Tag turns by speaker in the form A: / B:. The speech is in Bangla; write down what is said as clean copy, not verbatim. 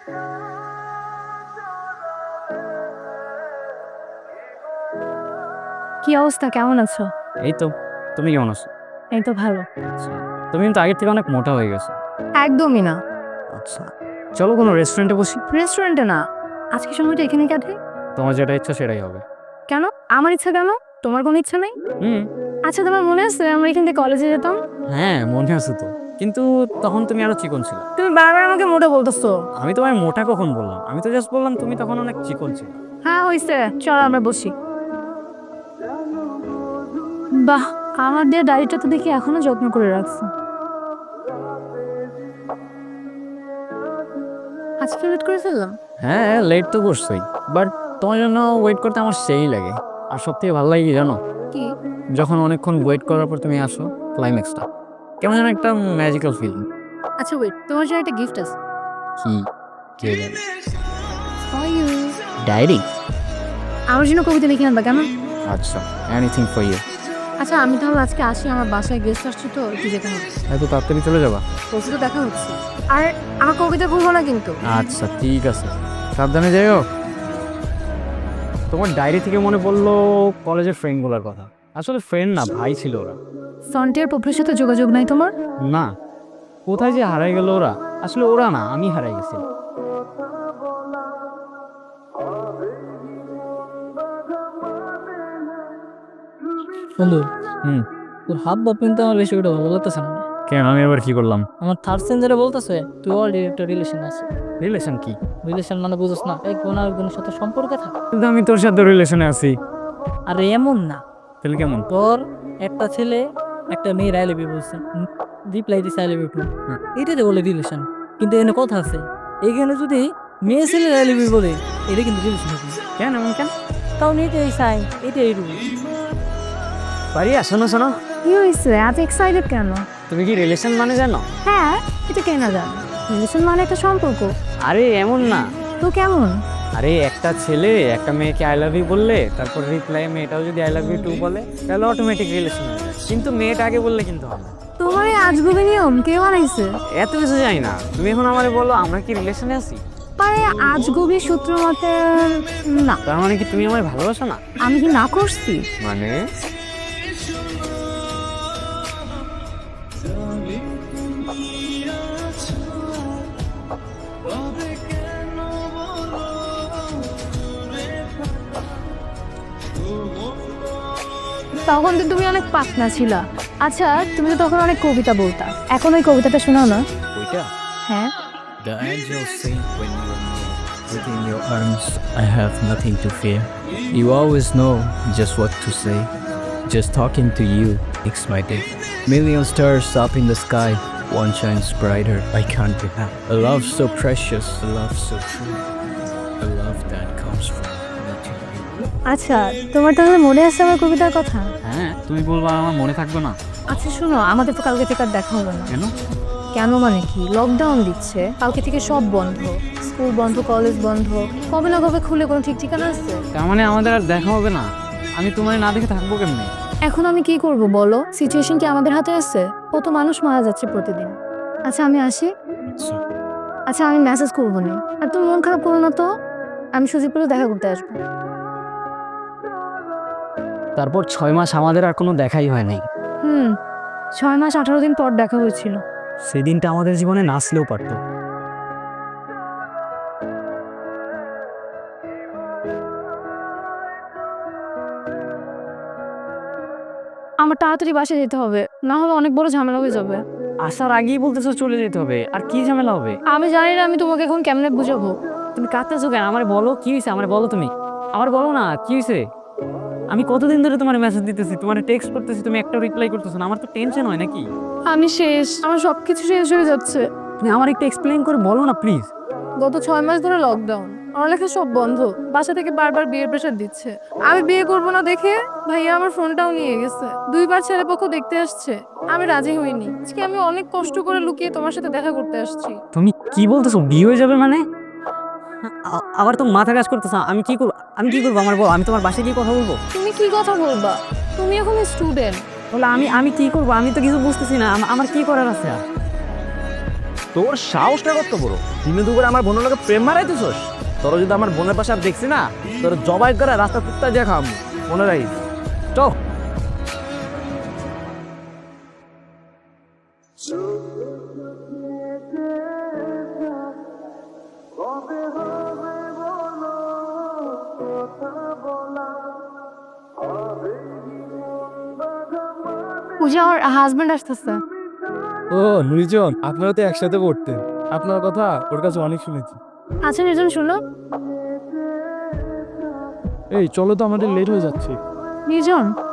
A: কি অবস্থা, কেমন আছো?
B: এই তো। তুমি কেমন আছো?
A: এই তো ভালো।
B: তুমি কিন্তু আগের থেকে অনেক মোটা হয়ে গেছো।
A: একদমই না।
B: আচ্ছা, চলো কোনো রেস্টুরেন্টে বসি।
A: রেস্টুরেন্টে না, আজকে সময়টা এখানে কাটে।
B: তোমার যেটা ইচ্ছা সেটাই হবে।
A: কেন? আমার ইচ্ছা কেন? তোমার কোনো ইচ্ছা নেই?
B: হুম।
A: আচ্ছা, তোমার মনে আছে আমরা এখান থেকে কলেজে যেতাম?
B: হ্যাঁ, মনে আছে তো। কিন্তু তখন তুমি আরো চিকন ছিল।
A: তুমি বারবার আমাকে মোটা বলতেছো।
B: আমি তোমায় মোটা কখন বললাম? আমি তো জাস্ট বললাম তুমি তখন অনেক চিকন ছিল।
A: হ্যাঁ হইছে, চলো আমরা বসি। বাহ, আমার দিয়ে ডায়েরিটা তো দেখি এখনো যত্ন করে রাখছো। আজকে লেট করে ফেললাম।
B: হ্যাঁ, লেট তো করছোই, বাট তোমার জন্য ওয়েট করতে আমার সেই লাগে। আর সব থেকে ভালো লাগে কি জানো?
A: কি?
B: যখন অনেকক্ষণ ওয়েট করার পর তুমি আসো, ক্লাইম্যাক্সটা কেমন যেন একটা ম্যাজিক্যাল ফিলিং।
A: আচ্ছা ওয়েট, তোমার জন্য একটা গিফট আছে।
B: কি? কে জানে?
A: For you.
B: ডায়েরি?
A: আমার জন্য কবিতা লিখে আনবা কেমন?
B: আচ্ছা, এনিথিং ফর ইউ।
A: আচ্ছা আমি তাহলে আজকে আসি, আমার বাসায় গেস্ট আসছে তো একটু যেতে হবে।
B: এত তাড়াতাড়ি চলে যাবা?
A: পরশু তো দেখা হচ্ছে। আর আমার কবিতা ভুলবো না কিন্তু।
B: আচ্ছা ঠিক আছে, সাবধানে যাইও। তোমার ডায়েরি থেকে মনে পড়লো কলেজের ফ্রেন্ডগুলোর কথা। আসলে ফ্রেন্ড না, ভাই ছিল ওরা।
A: সন্টিয়ার পপুলার সাথে যোগাযোগ নাই তোমার?
B: না, কোথায় যে হারাই গেল ওরা। আসলে ওরা না, আমি হারাই গেছিলাম।
C: বন্ধু,
B: হুম।
C: তোর হাব ভাব কিন্তু আমার বেশি ওটা ভালো লাগতেছে না।
B: কেন, আমি এবার কি করলাম?
C: আমার থার্ড সেঞ্জারে বলতেছে তুই অলরেডি একটা রিলেশন আছে।
B: রিলেশন কি?
C: রিলেশন মানে বুঝোস না, এক বোন আর বোনের সাথে সম্পর্কে থাকা।
B: কিন্তু আমি তোর সাথে রিলেশনে আছি।
C: আর এমন না,
B: তাহলে কেমন?
C: তোর একটা ছেলে একটা মেয়ের আই লাভ ইউ বলছে, রিপ্লাই দিছে আই লাভ ইউ টু, এটাতে বলে রিলেশন। কিন্তু এখানে কথা আছে, এখানে যদি মেয়ে ছেলের আই লাভ ইউ বলে এটা কিন্তু রিলেশন হবে না।
B: কেন এমন কেন?
C: কারণ এটাই সাইন, এটাই রুল।
B: পারিয়া, শোনো শোনো।
A: কি হয়েছে, এত এক্সাইটেড কেন?
B: তুমি কি রিলেশন মানে জানো?
A: হ্যাঁ, এটা কে না জানে। রিলেশন মানে একটা সম্পর্ক।
B: আরে এমন না।
A: তো কেমন?
B: আরে একটা ছেলে একটা মেয়েকে আই লাভ ইউ বললে, তারপর রিপ্লাই মেয়েটাও যদি আই লাভ ইউ টু বলে, তাহলে অটোমেটিক রিলেশন হয়ে যায়। কিন্তু মেয়েটা আগে বললে কিন্তু হবে না।
A: তোমার এই আজগুবি নিয়ম কে বানাইছে?
B: এত কিছু জানি না, তুমি এখন আমারে বলো আমরা কি রিলেশনে আছি?
A: পারে আজগুবি সূত্র মতে না।
B: তার মানে কি তুমি আমায় ভালোবাসো না?
A: আমি কি না করছি?
B: মানে
A: তখন তো তুমি অনেক পাকনা ছিলা। আচ্ছা, তুমি তো তখন অনেক কবিতা বলতা, এখন ওই কবিতাটা শোনাও না।
B: ওইটা?
A: হ্যাঁ।
B: The angels sing when you are near. Within your arms, I have nothing to fear. You always know just what to say. Just talking to you makes my day. Million stars up in the sky, one shines brighter. I can't be happy. A love so precious, a love so true, a love that comes from me to you.
A: আচ্ছা, তোমার তাহলে মনে আছে আমার কবিতার কথা?
B: হ্যাঁ, তুমি বলবা আমার মনে থাকবে না?
A: আচ্ছা শোনো, আমাদের তো কালকে থেকে আর দেখা হবে না।
B: কেন?
A: কেন মানে কি, লকডাউন দিচ্ছে, কালকে থেকে সব বন্ধ, স্কুল বন্ধ, কলেজ বন্ধ, কবে না কবে খুলে কোনো ঠিক ঠিকানা আছে?
B: তার মানে আমাদের আর দেখা হবে না? আমি তোমার না দেখে থাকবো কেমনে?
A: এখন আমি কি করব বলো, সিচুয়েশন কি আমাদের হাতে আছে? কত মানুষ মারা যাচ্ছে প্রতিদিন। আচ্ছা আমি আসি। আচ্ছা আমি মেসেজ করবো না, আর তুমি মন খারাপ করো না তো, আমি সুজিপুরে দেখা করতে আসবো।
B: তারপর 6 মাস আমাদের আর কোনো দেখাই হয় নাই।
A: 6 মাস 18 দিন পর দেখা হয়েছিল।
B: সেদিনটা আমাদের জীবনে নাচলেও পারতো।
A: আমার তাড়াতাড়ি বাসায় যেতে হবে, না হলে অনেক বড় ঝামেলা হয়ে যাবে।
B: আসার আগেই বলতেছো চলে যেতে হবে, আর কি ঝামেলা হবে?
A: আমি জানি না আমি তোমাকে এখন কেমনে বুঝাবো।
B: তুমি কাঁদতেছো কেন? আমার বলো কি হয়েছে, আমার বলো তুমি। আমার বলো না কি হয়েছে। আমি কতদিন ধরে তোমার মেসেজ দিতেছি, তোমার টেক্সট করতেছি, তুমি একটা রিপ্লাই করতেছো না। আমার তো টেনশন হয় নাকি?
A: আমি শেষ, আমার সবকিছু শেষ হয়ে যাচ্ছে।
B: তুমি আমার একটু এক্সপ্লেইন করে বলো না প্লিজ।
A: গত 6 মাস ধরে লকডাউন, পড়ালেখা সব বন্ধ, বাসা থেকে বারবার বিয়ের প্রেশার দিচ্ছে। আমি বিয়ে করবো না দেখে ভাইয়া আমার ফোনটাও নিয়ে গেছে, 2বার ছেলেপক্ষ দেখতে আসছে, আমি রাজি হইনি। আজকে আমি অনেক কষ্ট করে লুকিয়ে তোমার সাথে দেখা করতে আসছি।
B: তুমি কি বলতেছো, বিয়ে হয়ে যাবে মানে? আবার তো মাথা কাজ করতেছ। আমি কি করবো, আমি কি করবো আমার বল। আমি তোমার বাসায় গিয়ে কথা বলবো?
A: তুমি কি কথা বলবা? তুমি এখন স্টুডেন্ট।
B: তাহলে আমি আমি কি করবো? আমি তো কিছু বুঝতেছি না, আমার কি করার আছে আর?
D: তোর সাহসটা কত বড়, দিনে দুপুরে আমার বোনের লোকে প্রেম মারাইতেছস? তোর যদি আমার বোনের পাশে আর দেখছি না, তোর জবাই করে রাস্তা কুত্তা দিয়ে খাম, মনে রাখিস। চ
A: পূজা ওর হাজবেন্ড আসতেছে।
E: ও নুরিজন, আপনারা তো একসাথে পড়তেন, আপনার কথা ওর কাছে অনেক শুনেছি।
A: আচ্ছা নির্জন শুনো।
E: এই চলো তো, আমাদের লেট হয়ে যাচ্ছে।
A: নির্জন